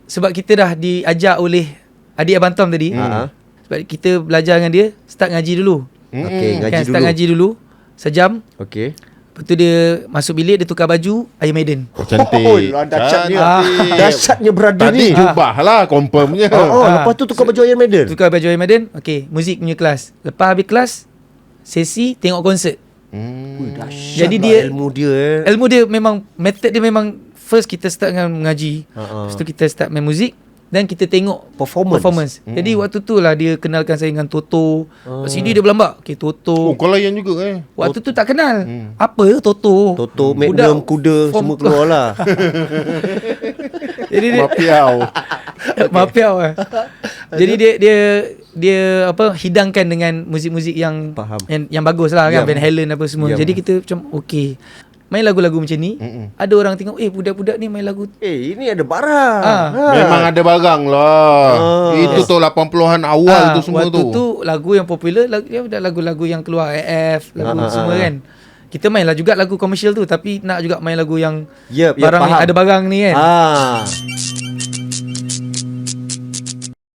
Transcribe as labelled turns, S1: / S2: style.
S1: sebab kita dah diajak oleh adik Abang Tom tadi. Sebab kita belajar dengan dia, start ngaji dulu.
S2: Okey, ngaji dulu.
S1: Start ngaji dulu sejam.
S2: Okey.
S1: Lepas tu dia masuk bilik, dia tukar baju Iron Maiden.
S3: Cantik.
S2: Oh, dahsyatnya. Dahsyatnya brother
S3: Tadi
S2: ni.
S3: jubah lah confirmnya.
S2: Lepas tu tukar baju Iron Maiden.
S1: Tukar baju Iron Maiden. Okay, muzik punya kelas. Lepas habis kelas, sesi tengok konsert. Jadi dia ilmu dia memang, method dia memang, first kita start dengan mengaji. Lepas tu kita start main muzik. Dan kita tengok performance. Jadi waktu tu lah dia kenalkan saya dengan Toto. Sini dia berlambak. Okay, Toto.
S3: Oh, kau layan juga
S1: Waktu tu tak kenal. Apa Toto?
S2: Toto, Magnum, kuda semua keluar lah.
S1: Jadi dia Mapiau lah. Jadi dia apa, hidangkan dengan muzik-muzik yang yang bagus lah kan, Van Halen apa semua. Jadi kita macam okey, main lagu-lagu macam ni. Ada orang tengok, budak-budak ni main lagu.
S2: Ini ada barang.
S3: Memang ada barang lah. Itu tu 80-an awal tu semua tu.
S1: Waktu tu lagu yang popular, lagu-lagu yang keluar AF, lagu semua kan. Kita main lah juga lagu komersial tu, tapi nak juga main lagu yang barang yang ada barang ni kan.